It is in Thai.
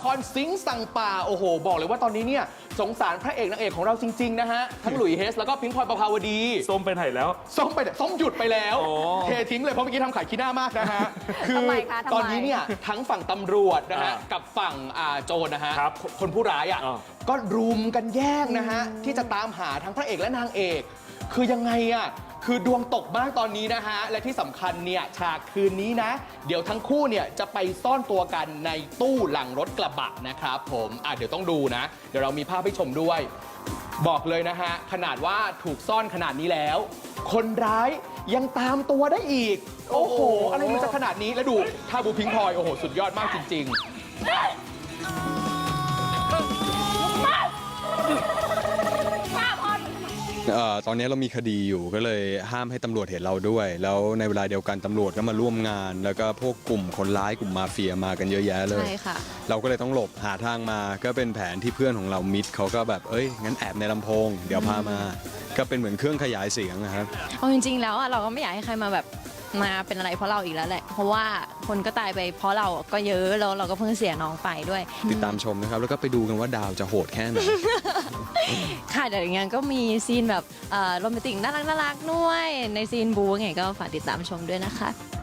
รสิงห์สั่งป่าโอ้โหบอกเลยว่าตอนนี้เนี่ยสงสารพระเอกนางเอกของเราจริงๆนะฮะทั้งหลุยส์เฮสแล้วก็พิงค์พลอยประภาวดีส้มไปไหนแล้วส้มหยุดไปแล้วโอ้เททิ้งเลยเพราะเมื่อกี้ทำขายขี้หน้ามากนะฮะคืทำไมคะทำไมตอนนี้เนี่ยทั้งฝั่งตำรวจนะฮะกับฝั่งโจรนะฮะครับคนผู้ร้ายอ่ะอ่าก็รุมกันแย่งนะฮะที่จะตามหาทั้งพระเอกและนางเอก คือยังไงอ่ะคือดวงตกมากตอนนี้นะฮะและที่สำคัญเนี่ยฉากคืนนี้นะเดี๋ยวทั้งคู่เนี่ยจะไปซ่อนตัวกันในตู้หลังรถกระบะนะครับผมเดี๋ยวต้องดูนะ เดี๋ยวเรามีภาพให้ชมด้วย บอกเลยนะฮะขนาดว่าถูกซ่อนขนาดนี้แล้ว คนร้ายยังตามตัวได้อีก โอ้โห อะไรมันจะขนาดนี้แล้วดูท่าบูพิงพลอยโอ้โหสุดยอดมากจริงตอนนี้เรามีคดีอยู่ก็เลยห้ามให้ตำรวจเห็นเราด้วย แล้วในเวลาเดียวกันตำรวจก็มาร่วมงาน แล้วก็พวกกลุ่มคนร้ายกลุ่มมาเฟียมากันเยอะแยะเลยใช่ค่ะเราก็เลยต้องหลบหาทางมาก็เป็นแผนที่เพื่อนของเรามิดเขาก็แบบงั้นแอบในลำโพง เดี๋ยวพามา ก็เป็นเหมือนเครื่องขยายเสียงนะครับเอาจริงๆแล้วอะเราก็ไม่อยากให้ใครมาแบบมาเป็นอะไรเพราะเราอีกแล้วแหละ เพราะว่าคนก็ตายไปเพราะเราก็เยอะแล้วเราก็เพิ่งเสียน้องไปด้วยติดตามชมนะครับแล้วก็ไปดูกันว่าดาวจะโหดแค่ไหนค่ะเดี๋ยวอย่างงั้นก็มีซีนแบบโรแมนติกน่ารักๆด้วยในซีนบูไงก็ฝากติดตามชมด้วยนะคะ